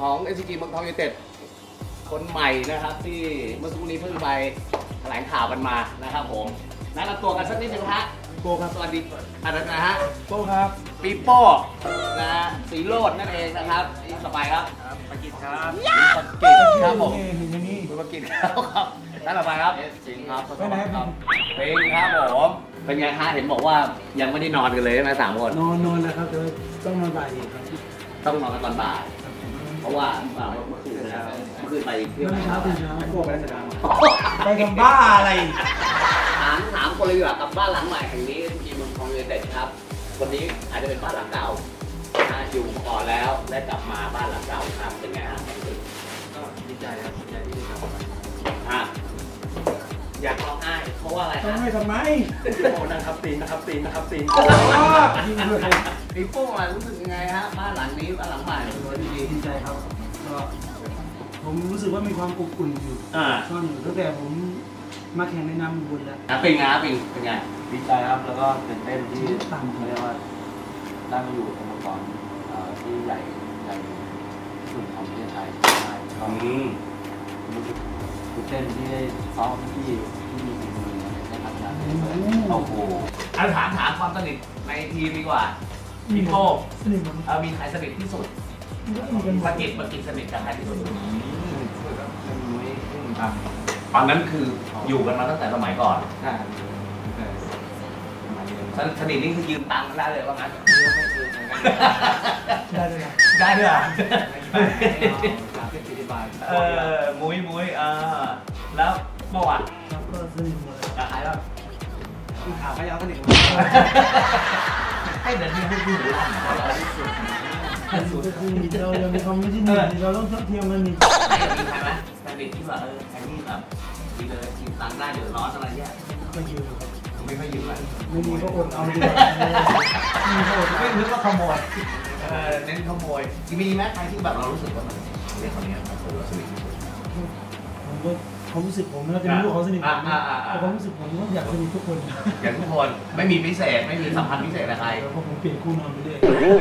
ของ SCG เมืองทองยูไนเต็ดคนใหม่นะครับที่เมื่อสักครู่นี้เพิ่งไปแถลงข่าวกันมานะครับผมแนะนำตัวกันสักนิดนึงฮะโก้ครับสวัสดีอะไรนะฮะโก้ครับปีโป้นะฮะสีโรจน์นั่นเองนะครับนี่สบายครับปกิจครับปกิจครับผมคุณปกิจครับนั่นสบายครับจริงครับไปไหนครับเพลงครับผมเป็นไงฮะเห็นบอกว่ายังไม่ได้นอนกันเลยใช่ไหม3 คนนอนแล้วครับแต่ต้องนอนบ่ายอีกครับต้องนอนกันตอนบ่ายเพราะว่าเมื่อคืนไปเที่ยวเช้าพวกไปราชการไปทำบ้าอะไรถามคนเลยดีกว่ากับบ้านหลังใหม่แห่งนี้ทีมเมืองทองยูไนเต็ดครับวันนี้อาจจะเป็นบ้านหลังเก่าอยู่ก่อนแล้วได้กลับมาบ้านหลังเก่าครับเป็นไงฮะก็ดีใจครับดีใจที่ได้กลับมาอยากร้องไห้เพราะว่าอะไรฮะร้องไห้ทำไมโอ้นะครับตีนพี่โป้รู้สึกยังไงฮะบ้านหลังนี้บ้านหลังใหม่ดีใจครับก็ผมรู้สึกว่ามีความอบอุ่นอยู่ซ่อนอยู่ตั้งแต่ผมมาแข่งในนามบุญแล้วเป็นไงเป็นไงดีใจครับแล้วก็ตื่นเต้นที่เรียกว่าได้มาอยู่สโมสรที่ใหญ่สุดของประเทศไทยได้ก็รู้สึกตื่นเต้นที่ได้ซ้อมที่มีฝีมือในทางการโอ้โหถามความสนิทในทีมดีกว่าพี่โป้มีใครสนิทที่สุดปกิจสนิทกับใครที่สุดตอนนั้นคืออยู่กันมาตั้งแต่สมัยก่อนสนิทนี่คือยืมตังค์ได้เลยว่างั้นได้ด้วยมุ้ยแล้วเมื่อวานก็สนิทหมดเลยกับใครบ้างข่าวก็ยาวสนิทหมดให้เดินที่พูดลั่นเรายังมีความไม่ที่หนึ่งเราต้องเทียมกันนี่ใช่ไหมสนิทที่แบบใครที่แบบดีเลยยืมตังค์ได้เดือดร้อนอะไรเงี้ยไม่ยืมครับไม่ค่อยยืมเลยไม่มีก็อดเอาดีกว่าไม่นึกว่าขโมยเน้นขโมยมีไหมใครที่แบบเรารู้สึกว่ามันเรื่องคนนี้เราสนิทที่สุดผมรู้สึกผมน่าจะไม่รู้เขาสนิทผมแต่ความรู้สึกผมก็อยากสนิททุกคนอยากทุกคนไม่มีพิเศษไม่มีสัมพันธ์พิเศษอะไรเพราะผมเปลี่ยนคู่นอนไปเรื่อย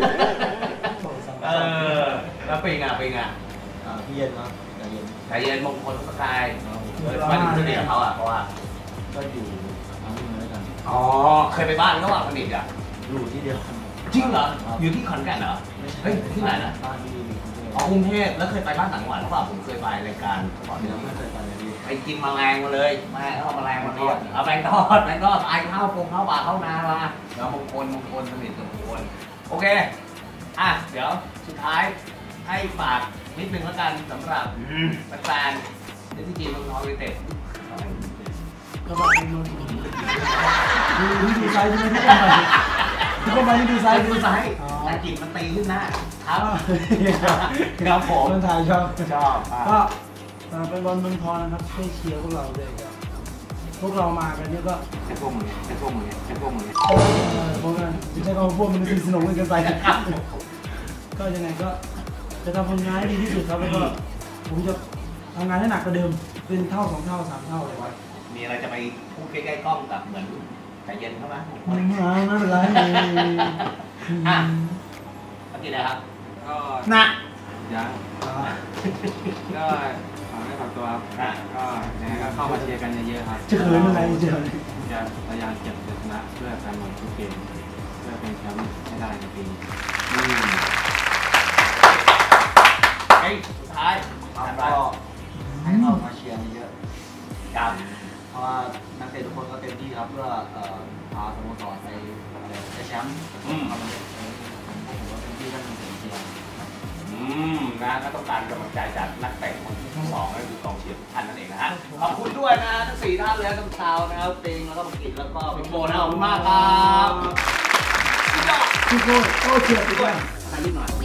แล้วเป็นไงพี่เย็นครับใจเย็นมงคลสกายมาดูสนิทกับเขาเพราะว่าก็อยู่ทำงานด้วยกันเคยไปบ้านเขาสนิทอยู่ที่เดียวจริงเหรออยู่ที่ขอนแก่นเหรอเฮ้ยที่ไหนนะบ้านที่กรุงเทพแล้วเคยไปบ้านต่างจังหวัดหรือเปล่าผมเคยไปรายการก่อนเดียวไม่เคยไปเลยไปกินแมลงมาเลยเขาเอาแมลงมาทอดเอาแมลงทอดตายข้าวปรุงข้าวปลาข้าวนามาแล้วมงคลสนิทกับมงคลโอเคเดี๋ยวสุดท้ายให้ฝากนิดนึงแล้วกันสำหรับแฟนๆที่ทีมเมืองทองยูไนเต็ดก็มาดูไซส์ที่ไม่ได้ดูไซส์แต่กิ่งมันตีขึ้นหน้าครับผมคนไทยชอบก็เป็นบอลเมืองทองนะครับให้เชียร์พวกเราเลยพวกเรามากันเนี่ยก็จะพวกมึงพวกนั้นจะใช้คำว่าพวกมันสนุกกันไปก็ยังไงก็จะทำผลงานให้ดีที่สุดครับแล้วก็ผมจะทำงานให้หนักกว่าเดิมเป็นเท่า2 เท่า 3 เท่าเลยครับมีอะไรจะไปพูดใกล้ๆกล้องกับเหมือนใจเย็นเข้ามาไม่เป็นไรเมื่อกี้นะครับก็ยังก็ขอให้ฝากตัวครับก็ยังไงก็เข้ามาเชียร์กันเยอะๆครับจะเขินอะไรจะพยายามเก็บชนะเพื่อแฟนบอลทุกเกมเพื่อเป็นแชมป์ให้ได้ในปีนี้สุดท้ายก็ให้เข้ามาเชียร์เยอะครับเพราะว่านักเตะทุกคนก็เต็มที่ครับเพื่อพาสโมสรไปแชมป์ผมก็เต็มที่กันเป็นเชียร์ก็ต้องการกำลังใจจากนักเตะคนที่2ก็คือกองเชียร์ท่านนั่นเองนะฮะขอบคุณด้วยนะทั้ง4ท่านเลยทั้งชาวนะครับเต็งแล้วก็ปกิจแล้วก็พี่โบนะขอบคุณมากครับพี่โบเชียร์พี่โบนิดหน่อย